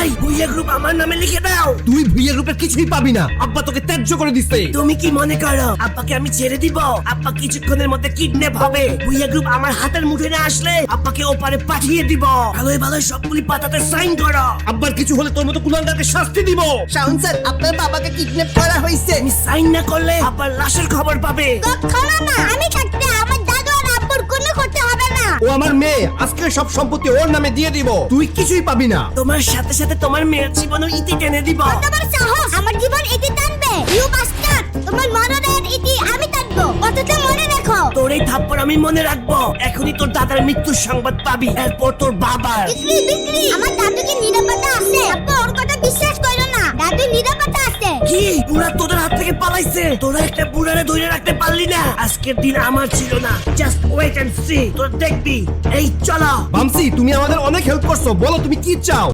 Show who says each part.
Speaker 1: ভাই ভুইয়া গ্রুপ আমার নামে লিখে দাও।
Speaker 2: তুই ভুইয়া গ্রুপের কিছুই পাবি না, আব্বা তোকে ত্যায্য করে দিচ্ছে।
Speaker 1: তুমি কি মনে করো আব্বাকে আমি ছেড়ে দিব? আব্বা কিছুক্ষণের মধ্যে কিডন্যাপ হবে। ভুইয়া গ্রুপ আমার হাতের মুঠোয় না আসলে আব্বাকে ওপারে পাঠিয়ে দিব। ভালোই ভালোই সবগুলি পাতাতে সাইন করো।
Speaker 2: আব্বার কিছু হলে তোর মতো কুলাঙ্গারকে শাস্তি দিব।
Speaker 3: শাওন স্যার, আপনার বাবাকে কিডন্যাপ করা হয়েছে।
Speaker 1: আমি সাইন না করলে আব্বার লাশের খবর পাবে।
Speaker 4: কখনো না, আমি থাকতে আমার দাদু আর আব্বুর কোনো করতে হবে না।
Speaker 2: ও আমার মেয়ে, আজকে সব সম্পত্তি ওর নামে দিয়ে দিব। তুই কিছুই পাবি না।
Speaker 1: তোমার সাথে সাথে তোমার মেয়ের জীবনও ইতি টেনে দিব।
Speaker 4: তোমার সাহস আমার জীবন ইতি টানবে। ইউ বাস্টার্ড, তোমার মরণের ইতি আমি টানবো। কথাটা মনে রাখো।
Speaker 1: তোর এই থাপ্পড় আমি মনে রাখবো। এখনই তোর দাদার মৃত্যুর সংবাদ পাবি, এরপর তোর বাবার।
Speaker 4: বিক্রি বিক্রি, আমার দাদু কি নিরাপত্তা আছে? আব্বু ওর কথা বিশ্বাস করো না, দাদু নিরাপত্তা আছে।
Speaker 1: কি বুড়া তোদের হাত থেকে পালাইছে? তোরা একটা বুড়ারে ধরে রাখতে পারলি না। আজকের দিন আমার ছিল না। জাস্ট ওয়েট এন্ড সি, তোরা দেখবি। এই চলো।
Speaker 2: বামসি, তুমি আমাদের অনেক হেল্প করছো, বলো তুমি কি চাও?